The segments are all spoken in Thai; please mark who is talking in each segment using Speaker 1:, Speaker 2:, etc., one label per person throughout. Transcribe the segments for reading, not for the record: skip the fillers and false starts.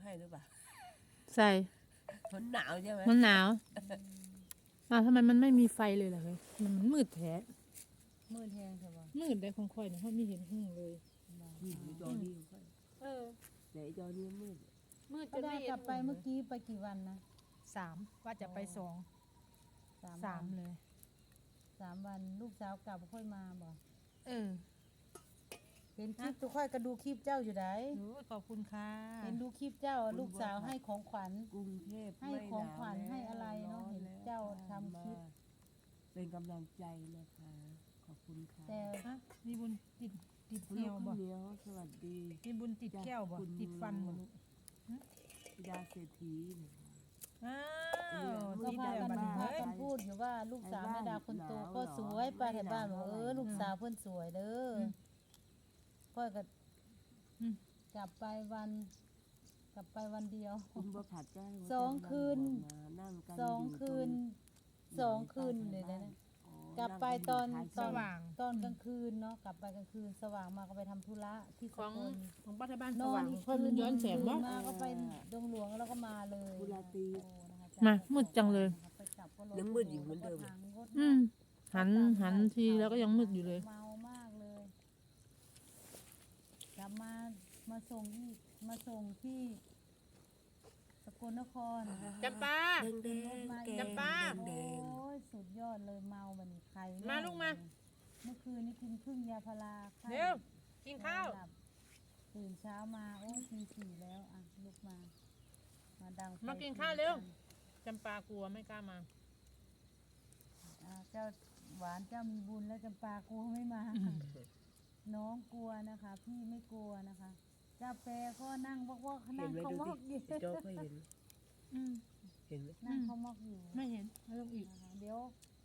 Speaker 1: ให้หรือเปล่า
Speaker 2: ใส่
Speaker 1: มันหนาวใช่ไหม
Speaker 2: มันหนาวทำไมมันไม่มีไฟเลยล่ะเฮ้ยมันมืดแท้
Speaker 3: มืดแห้งใช่ปะ
Speaker 2: มืดได้ของค่อยนะเพราะไม่เห็นหุ่งเลย
Speaker 1: นี่จอนี้ค่อยแต่จอนี้มืด
Speaker 3: จนไม่เห็นกลับไปเมื่อกี้ไปกี่วันนะ
Speaker 2: 3ว่าจะไป3เลย
Speaker 3: 3 วันลูกสาวกลับค่อยมาบ่เห็นคลิปตัวค่อยก็ดูคลิปเจ้าอยู่ไหน
Speaker 2: ขอบคุณค่ะ
Speaker 3: เห็นดูคลิปเจ้าลูกสาวให้ของขวัญ
Speaker 1: กรุงเทพ
Speaker 3: ให้ของขวัญให้อะไรเนาะเห็นเจ้าทำคลิป
Speaker 1: เป็นกำลังใจนะคะขอบคุณค่ะ
Speaker 3: แต่
Speaker 2: มีบุญติดแก้วบ่
Speaker 1: สวัสดี
Speaker 2: มีบุญติดแก้วบ่ติดฟันบ่ลูก
Speaker 1: ธิดาเศรษฐี
Speaker 3: ก็พากันพูดอยู่ว่าลูกสาวแม่ดาคนโตก็สวยป้าแถวบ้านบอกลูกสาวเพิ่นสวยเด้อก็กลับไปวันเดียว2 คืนเลยนะกลับไปตอนกลางคืนเนาะกลับไปกลางคืนสว่างมาก็ไปทำธุระที่สกล
Speaker 2: ของป้าที่บ้านสว่างเพิ่นย้อนแสงบ่
Speaker 3: มาก็ไปดงหลวงแล้วก็มาเลย
Speaker 2: มามืดจังเลย
Speaker 1: ยังมืดอยู่เหมือนเดิม
Speaker 2: หันทีแล้วก็ยังมืดอยู่เลย
Speaker 3: เมามากเลยกลับมาส่งที่สกลนคร
Speaker 2: จำปาจำปา
Speaker 3: โอ้ยสุดยอดเลยเมาบันนี้ใคร
Speaker 2: มาลูกมา
Speaker 3: เมื่อคืนนี้กินครึ่งยาพารา
Speaker 2: เร็วกินข้าว
Speaker 3: ตื่นเช้ามาโอ้ตี 4แล้วอ่ะลุกมาดัง
Speaker 2: มากินข้าวเร็วจำปากลัวไม่กล้ามา
Speaker 3: เจ้าหวานเจ้ามีบุญแล้วจำปากลัวไม่มาน้องกลัวนะคะพี่ไม่กลัวนะคะเจ้าแปรก็นั่งว่านั่งเขามอกอยู่
Speaker 1: โจ๊กก็เห็นเห็นไหม
Speaker 3: นั่งเขามอกอยู่
Speaker 2: ไม่เห็นไม่ต้องอีก
Speaker 3: เดี๋ยว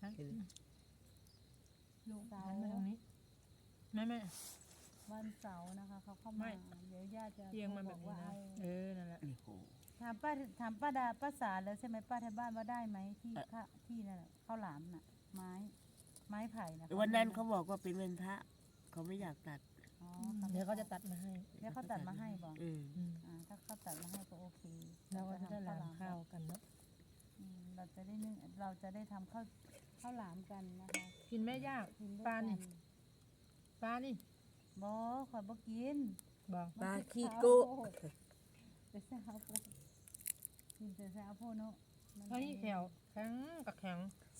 Speaker 2: ลูกสาวมาตรงนี้แม่
Speaker 3: วันเสาร์นะคะเขาเข้ามาเดี๋ยวย่าจะ
Speaker 2: เตียงมันแบบนี้นะนั่นแหละ
Speaker 3: ถามป้าดาป้าสาแล้วใช่ไหมป้าที่บ้านว่าได้ไหมที่นั่นแหละข้าวหลามน่ะไม้ไผ่นะ
Speaker 1: วันนั้นเขาบอกว่าเป็นวันพระเขาไม่อยากตัด
Speaker 2: เดี๋ยวเขาจะตัดมาให้
Speaker 3: แล้วเขาตัดมาให้บอกถ้าเขาตัดมาให้ก็โอเค
Speaker 2: เราก็จะได้หลามข้าวกันเนาะ
Speaker 3: เราจะได้ทำข้าวหลามกันนะคะ
Speaker 2: กินแม่ยากปลานี่
Speaker 3: บ่ขอบ่กิน
Speaker 1: ปลาขี้โก้
Speaker 3: แต่แซ่บโพกินแต่แซ่บโพเนาะ
Speaker 2: เฮ้ยแข็งกับแข็ง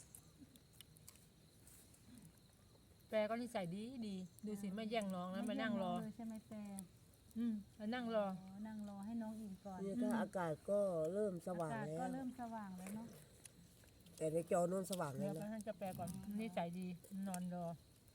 Speaker 2: แปรก็นิสัยดีดูสิไม่แย่งน้องนะมานั่งรอ
Speaker 3: ใช่ไหมแปร
Speaker 2: มานั่งรอ
Speaker 3: ให้น้องอิ่มก่อน
Speaker 1: เนี่ยก็อากาศก็เริ่มสว่างแล้ว
Speaker 3: ก็เริ่มสว่างแล้วเนาะ
Speaker 1: แต่ในจอนู้นสว่างเลย
Speaker 2: นะท่านจะแปรก่อนนิสัยดีนอนรอ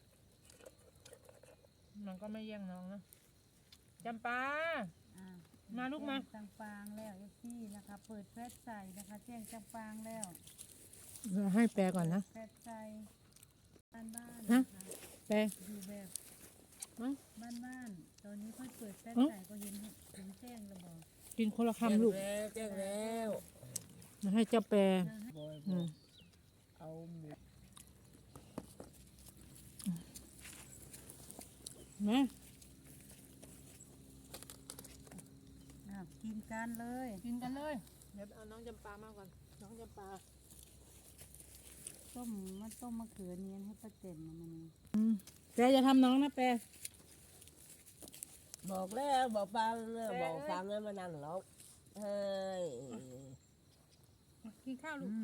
Speaker 2: มันก็ไม่แย่งน้องนะจำปามาลูกมา
Speaker 3: จำปางแล้วพี่นะคะเปิดแฟลชใส่นะคะแจ้งจำปางแล้ว
Speaker 2: ให้แปรก่อนนะ
Speaker 3: แฟลชใส่บ้าน
Speaker 2: นะแปร
Speaker 3: อยู่แบบบ้านตอนนี้ค่อยเปิดแฟลชใส่ก็เห็นแจ้งแล้วบอก
Speaker 2: กินคนละคำลูก
Speaker 1: แจ้งแล้ว
Speaker 2: ให้เจ้าแปร
Speaker 1: เอาหมู
Speaker 2: นะ
Speaker 3: กินกันเลย
Speaker 2: เดี๋ยวเอาน้องจำปามาก่อนน้องจำปา
Speaker 3: ต้มมะเขือเนียนให้ป้าเต็มมัน
Speaker 2: แปรจะทำน้องนะแปร
Speaker 1: บอกแล้วบอกฟังแล้วมานั่งร้องเฮ้ย
Speaker 2: กินข้าวลูก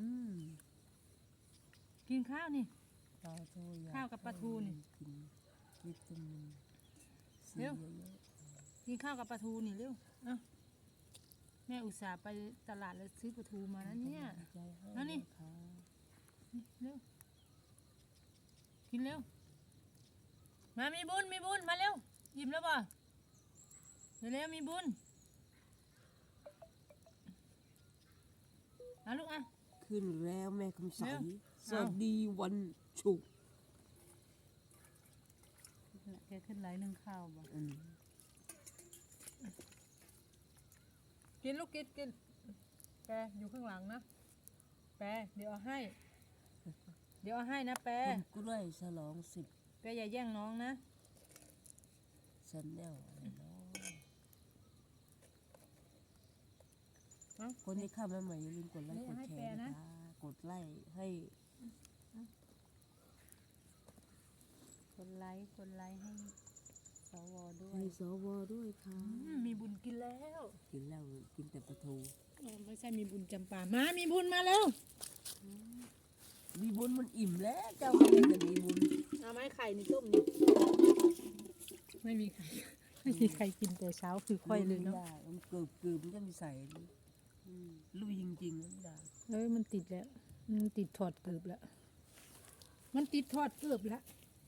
Speaker 2: กินข้าวนี่ข้าวกับปลาทูนี่เร็วกินข้าวกับปลาทูนี่เร็วแม่อุตส่าห์ไปตลาดแล้วซื้อปลาทูมาแล้วเนี่ยแล้วนี่เร็วกินเร็วมามีบุญมาเร็วยิ้มแล้วป่ะเร็วมีบุญลูก
Speaker 1: ขึ้นแล้วแม่คำใสสวัสดีวันศุกร์
Speaker 3: แกขึ้นไหลหนึ่งข้าวบ่
Speaker 2: กินลูกกินแปรอยู่ข้างหลังนะแปรเดี๋ยวเอาให้นะแปร
Speaker 1: กล้วยฉลอง
Speaker 2: 10แปรอย่าแย่งน้องนะ
Speaker 1: ฉันแนวอะไรเนาะคนที่เข้ามาใหม่อย่าลืมกดไลค์
Speaker 2: นี่
Speaker 1: กด
Speaker 2: ให้
Speaker 1: แช
Speaker 2: แปล
Speaker 1: ร์
Speaker 2: นะ
Speaker 1: นะคะกดไลค์ให้
Speaker 3: กดไลค์ให้สวด้วย
Speaker 1: ให้สวด้วยค่ะ
Speaker 2: มีบุญกินแล้ว
Speaker 1: กินแล้วกินแต่ปลาทู
Speaker 2: ไม่ใช่มีบุญจำปามามีบุญมาแล้ว
Speaker 1: มีบุญมันอิ่มแล้วเจ้าก็ยังจะมีบุญ
Speaker 2: เอาไหมไข่นี่ต้มนี่ไม่มีไข่ไม่มีใครกินแต่เช้าคือค่อยเลยเนาะ
Speaker 1: ไม่ได้มันเกือบมันจะมีใส่ลุยจริงๆนะไม่ได้
Speaker 2: มันติดแล้วมันติดถอดเกือบแล้วมันติดถอดเกือบแล้ว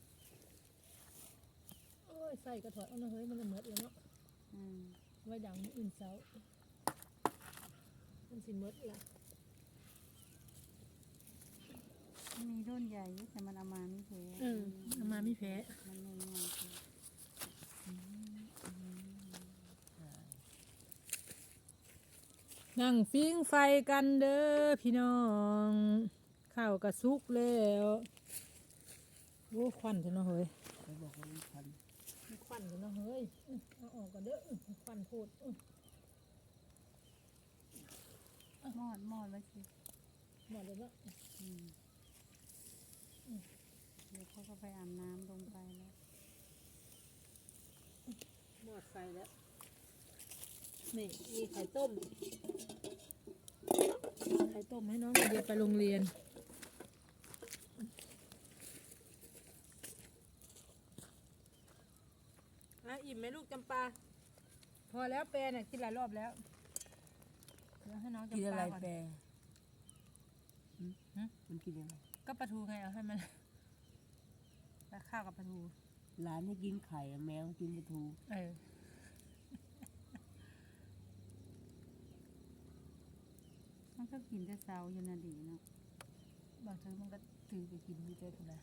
Speaker 2: โอ้ยใส่กระถอดเอาเนาะเฮ้ยมันจะเหมือนเลยเนาะ
Speaker 3: อืม
Speaker 2: ไว้ดังอื่นเช้ามันสิเหมือนละ
Speaker 3: มีรุ่นใหญ่อยู่แต่มันเอามาไม่แพ้
Speaker 2: เอามาไม่แพ้
Speaker 3: มันไม่ง่ายคือ
Speaker 2: นั่งฟิ้งไฟกันเด้อพี่น้องข้าวกระซุกแล้วโอ้ควันเถอะเนาะเฮ้ย
Speaker 1: เขาบอกว่ามันพัน
Speaker 2: ควันเถอะเนาะเฮ้ยเอาออกกันเด้อควันโพด
Speaker 3: มอดไว้สิ
Speaker 2: หมดเลยเนาะ
Speaker 3: อืมเดี๋ยวเขาก็ไปอาบน้ำลงไปแล้ว
Speaker 2: หมดไฟแล้วนี่มีไข่ต้มให้น้องเดียวไปโรงเรียนอิ่มไหมลูกจำปาพอแล้วแปรเนี่ยกินหลายรอบแล้วเดี๋ยวให้น้อง
Speaker 1: กิน
Speaker 2: จำ
Speaker 1: อะไร
Speaker 2: ปาก่อน
Speaker 1: แปรมันกินอะไร
Speaker 2: ก็ปลาทูไงเอาให้มันแล้วข้าวกับปลาทู
Speaker 1: หลานให้กินไข่แมวกินปลาทู
Speaker 3: มันก็กินแต่เช้าอยู่นาดีเนาะ
Speaker 2: บางทีมันก็ถือไปกินดีใจคุณนะ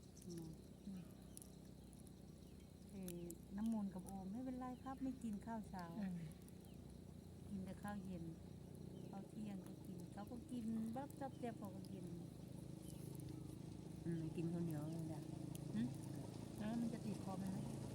Speaker 3: น้ำมูลกับโอมไม่เป็นไรครับ ไม่กินข้าวเช้า กินแต่ข้าวเย็นข้าวเที่ยงก็กินเขาก็กินบักจับเจ็บเขาก็กิน
Speaker 1: กินข้าวเหนียวไม่ได้
Speaker 2: แล้วมันจะติดคอไหม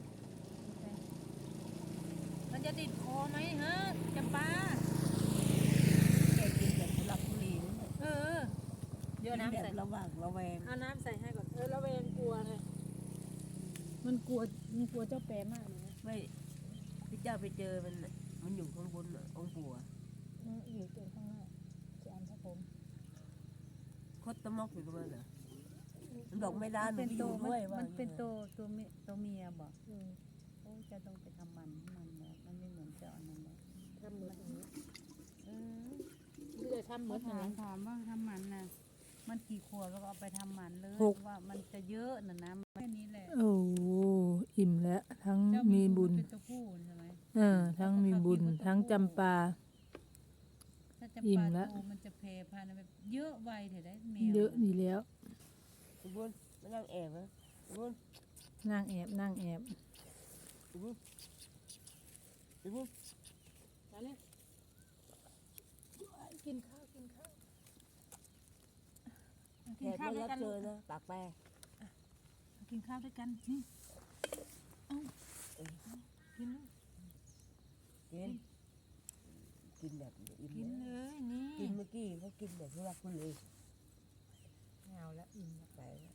Speaker 2: มันจะติดคอไหมฮะจำปา
Speaker 1: แกกินแบบทุลักทุเลนั่นแหละ
Speaker 2: เดี๋ยว
Speaker 1: กิน
Speaker 2: น้ำ
Speaker 1: แบ
Speaker 2: ใส่
Speaker 1: บระหว่างระแวง
Speaker 2: เอาน้ำใส่ให้ก่อนระเวงกลัวไงมันกลัวเจ้าแปรมากเลยนะ
Speaker 1: ไม่พี่เจ้าไปเจอมันน่ะมันอยู่ข้างบนน่ะองค์ปู่อะ
Speaker 2: อยู่ตรงข้างหน้าจะอันพระผม
Speaker 1: คดตะมอกอยู่ตรงนั้นเหรอมันบอกไม่ได้หนู
Speaker 3: เป็น
Speaker 1: ไปอ
Speaker 3: โต
Speaker 1: ยู่ด้วยว่า
Speaker 3: มันเป็นตัวเมียบอก
Speaker 2: อืม
Speaker 3: โอ้จะต้องไปทำมันแล้วมันไม่เหมือนเจ้าอันนั้นเลย
Speaker 2: ทำเหมือนอย่างนี้
Speaker 3: เออ
Speaker 2: ที่จะทำเหมือนอย่างนี้
Speaker 3: ถามว่าทำมันนะมันกี่ขวดแล้วก็เอาไปทำมันเลย
Speaker 2: 6
Speaker 3: ว่ามันจะเยอะนะแค่นี้แหละ
Speaker 2: โอ้อิ่มแล้วทั้ง
Speaker 3: เจ้า
Speaker 2: มีบุญ
Speaker 3: เป็นตัวผู้ใช่ไหม
Speaker 2: ทั้งมีบุญทั้งจำปา
Speaker 3: ถ้าจะ
Speaker 2: อิ่
Speaker 3: ป
Speaker 2: ม
Speaker 3: ลา
Speaker 2: แล้ว
Speaker 3: ทูมันจะแพร่พันธุ์แบบเยอะไวเถอะได้แมว
Speaker 2: เยอะดีแล้ว
Speaker 1: คุณบุญมานั่งแอบนะคุณบุญ
Speaker 2: นั่งแอบ
Speaker 1: คุณบุญคุณบุญ
Speaker 2: กินข้าว
Speaker 1: แข
Speaker 2: กิน
Speaker 1: ก
Speaker 2: ข้าว
Speaker 1: ไม่
Speaker 2: ด้วย
Speaker 1: รับ
Speaker 2: กัน
Speaker 1: เจอนะปากแปร
Speaker 2: กินข้าวด้วยกันนี่เอากินเลย
Speaker 1: กินกินแบบอิ่ม
Speaker 2: กิน
Speaker 1: นะ
Speaker 2: เลยนี่
Speaker 1: กินเมื่อกี้เขากินแบบทุลักทุเล
Speaker 2: ไม่เอาแล้วอิ่มแล้ว
Speaker 1: ไปแล้ว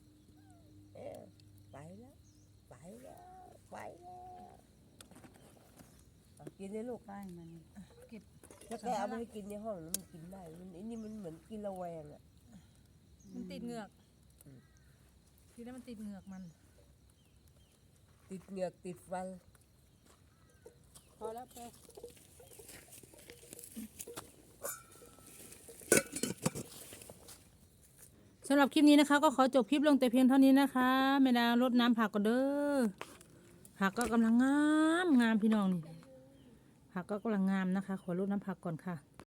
Speaker 1: ไปแล้วไปแล้วไปแล้วเอากินเลยลูก
Speaker 3: ใต้มัน
Speaker 2: เก็บ
Speaker 1: ถ้าแกเอาไปให้กินในห้องแล้วมันกินได้มันไอ้นี่มันเหมือนกินระแวงอ่ะ
Speaker 2: มันติดเหงือก
Speaker 1: อืม
Speaker 2: ทีนั้นมันติดเหงือกมัน
Speaker 1: ติดเหงือกติดฟัน
Speaker 2: พอแล้วแป สำหรับคลิปนี้นะคะ ก็ขอจบคลิปลงแต่เพียงเท่านี้นะคะแม่ดารดน้ำผักก็เด้อผักก็กำลังงามพี่น้องนี่ผักก็กำลังงามนะคะ ขอรดน้ำผักก่อนค่ะ